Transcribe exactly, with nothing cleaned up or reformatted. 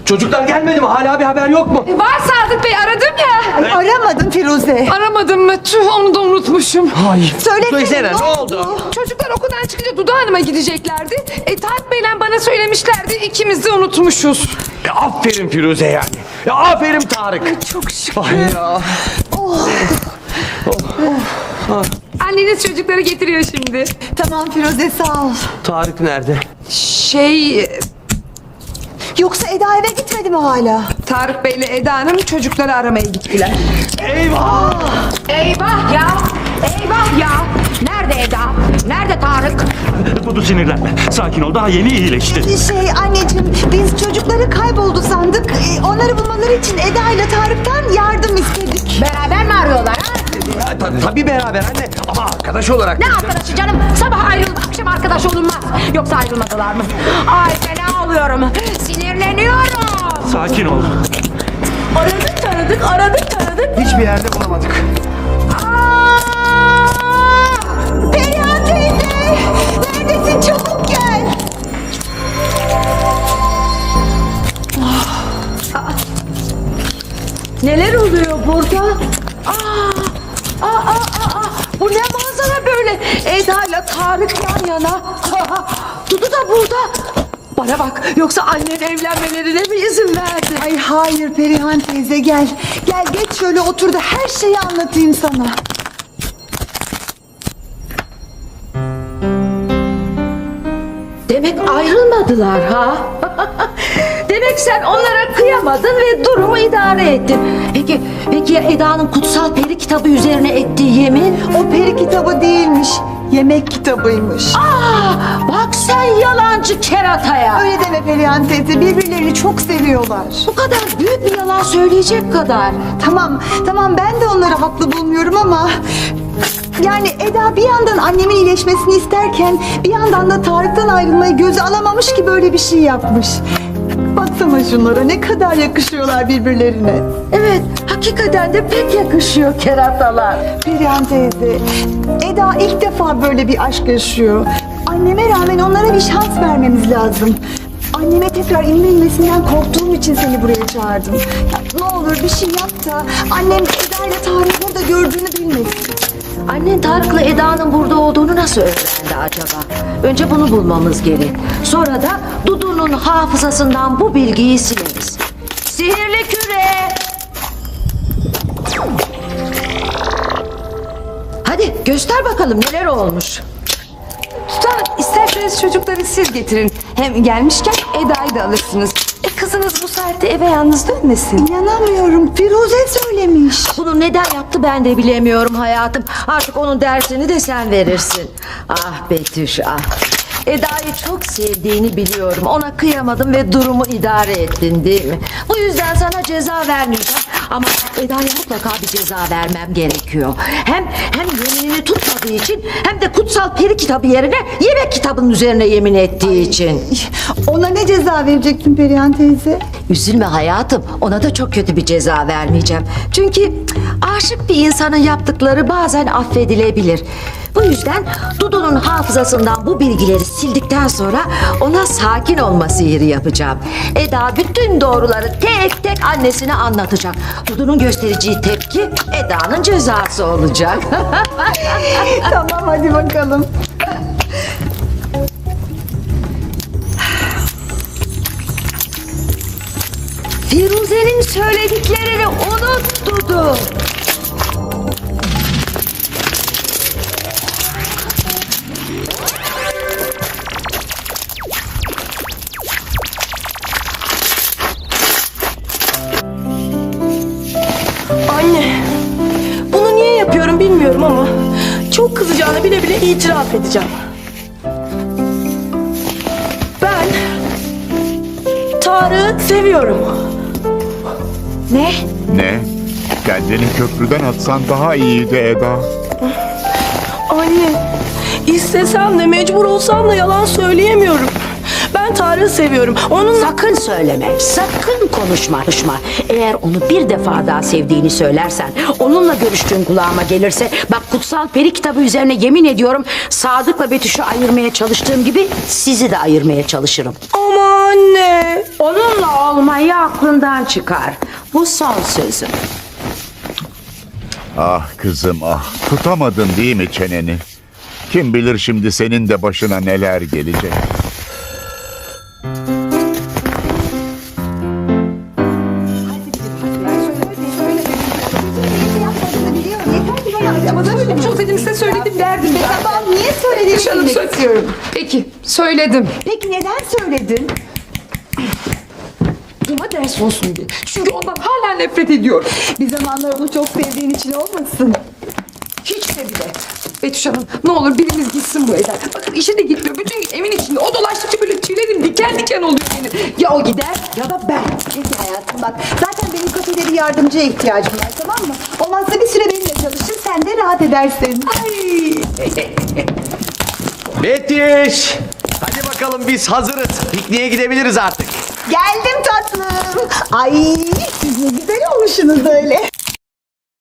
Çocuklar gelmedi mi? Hala bir haber yok mu? E, var Sadık Bey, aradım ya. Aramadım Firuze. Aramadım mı? Tüh, onu da unutmuşum. Hayır. Söylesene, Söylesene, ne ne oldu? Çocuklar okuldan çıkınca Dudu Hanım'a gideceklerdi. E, Tarık Bey'le bana söylemişlerdi. İkimiz de unutmuşuz. E, aferin Firuze yani. Ya aferin Tarık. Çok şükür. Ay ya. Anneniz çocukları getiriyor şimdi. Tamam Firuze, sağ ol. Tarık nerede? Şey... Yoksa Eda eve gitmedi mi hala? Tarık Bey'le Eda Hanım çocukları aramaya gittiler. Eyvah! Eyvah ya! Eyvah ya! Nerede Eda? Nerede Tarık? Dudu sinirlenme. Sakin ol, daha yeni iyileşti. Şey anneciğim, biz çocukları kayboldu sandık. Ee, Onları bulmaları için Eda ile Tarık'tan yardım istedik. Beraber mi arıyorlar ha? Ya, ta- tabii beraber anne ama arkadaş olarak. Ne arkadaşı canım? Sabah ayrıldı, akşam arkadaş olunmaz. Yoksa ayrılmadılar mı? Ay fena oluyorum. Sinirleniyorum. Sakin ol. Aradık taradık, aradık taradık. Hiçbir yerde bulamadık. Aa! Perihan teyze! Neredesin? Çabuk gel. Neler oluyor burada? Aa, aa, aa, aa. Bu ne manzara böyle? Eda ile Tarık yan yana. Dudu da burada. Bana bak, yoksa annen evlenmelerine mi izin verdi? Ay hayır Perihan teyze, gel. Gel geç şöyle otur da her şeyi anlatayım sana. Demek ayrılmadılar ha? Demek sen onlara kıyamadın ve durumu idare ettin. Peki, peki ya Eda'nın kutsal peri kitabı üzerine ettiği yemin? O peri kitabı değilmiş. Yemek kitabıymış. Aa, bak sen yalancı kerataya. Öyle deme Perihan teyze, birbirlerini çok seviyorlar. Bu kadar büyük bir yalan söyleyecek kadar. Tamam, tamam ben de onları haklı bulmuyorum ama... Yani Eda bir yandan annemin iyileşmesini isterken bir yandan da Tarık'tan ayrılmayı göze alamamış ki böyle bir şey yapmış. Baksana şunlara, ne kadar yakışıyorlar birbirlerine. Evet, hakikaten de pek yakışıyor keratalar. Perihan teyze, Eda ilk defa böyle bir aşk yaşıyor. Anneme rağmen onlara bir şans vermemiz lazım. Anneme tekrar inmesinden korktuğum için seni buraya çağırdım. Ya, ne olur bir şey yap da annem Eda ile Tarık'ı burada gördüğünü bilmesin. Annen Tarık'la Eda'nın burada olduğunu nasıl öğrendi acaba? Önce bunu bulmamız gerek. Sonra da Dudu'nun hafızasından bu bilgiyi sileriz. Sihirli küre! Hadi göster bakalım neler olmuş. Sultanım, isterseniz çocukları siz getirin. Hem gelmişken Eda'yı da alırsınız. E, kızınız bu saatte eve yalnız dönmesin. İnanamıyorum, Firuze söylemiş. Bunu neden yaptı ben de bilemiyorum hayatım. Artık onun dersini de sen verirsin. Ah Betüş ah. Eda'yı çok sevdiğini biliyorum. Ona kıyamadım ve durumu idare ettin değil mi? Bu yüzden sana ceza vermeyeceğim. Ama Eda'ya mutlaka bir ceza vermem gerekiyor. Hem hem yeminini tutmadığı için hem de kutsal peri kitabı yerine yemek kitabının üzerine yemin ettiği için. Ona ne ceza verecektin Perihan teyze? Üzülme hayatım, ona da çok kötü bir ceza vermeyeceğim. Çünkü aşık bir insanın yaptıkları bazen affedilebilir. Bu yüzden Dudu'nun hafızasından bu bilgileri sildikten sonra ona sakin olma sihiri yapacağım. Eda bütün doğruları tek tek annesine anlatacak. Dudu'nun göstereceği tepki Eda'nın cezası olacak. Tamam hadi bakalım. Firuze'nin söylediklerini unut Dudu. Anne, bunu niye yapıyorum bilmiyorum ama çok kızacağını bile bile itiraf edeceğim. Ben Tarık'ı seviyorum. Ne? Ne? Kendini köprüden atsan daha iyiydi Eda. Anne, istesem de mecbur olsam da yalan söyleyemiyorum. Ben Tarık'ı seviyorum. Onun Sakın söyleme, sakın konuşma, konuşma. Eğer onu bir defa daha sevdiğini söylersen, onunla görüştüğün kulağıma gelirse, bak kutsal peri kitabı üzerine yemin ediyorum, Sadık'la Betüş'ü ayırmaya çalıştığım gibi sizi de ayırmaya çalışırım. Aman anne. Onunla olmayı aklından çıkar. Bu son sözüm. Ah kızım ah. Tutamadın değil mi çeneni? Kim bilir şimdi senin de başına neler gelecek. Ama da çok dedim size söyledim derdim ben. Tamam niye söyledin? Canım bilmek söyle- istiyorum. Peki söyledim. Peki neden söyledin? Buna ders olsun diye. Çünkü ondan hala nefret ediyorum. Bir zamanlar onu çok sevdiğin için olmasın. Hiç de bile. Betüş Hanım ne olur birimiz gitsin bu evden. Bakın işe de gitmiyor. Bütün gün evin içinde. O dolaştıkça böyle tüylerim diken diken oluyor benim. Ya o gider ya da ben. Peki hayatım bak. Zaten benim kafede bir yardımcıya ihtiyacım var tamam mı? Olmazsa bir süre benimle çalışır sen de rahat edersin. Ay. Betüş. Hadi bakalım biz hazırız. Pikniğe gidebiliriz artık. Geldim tatlım. Ay siz ne güzel olmuşsunuz öyle.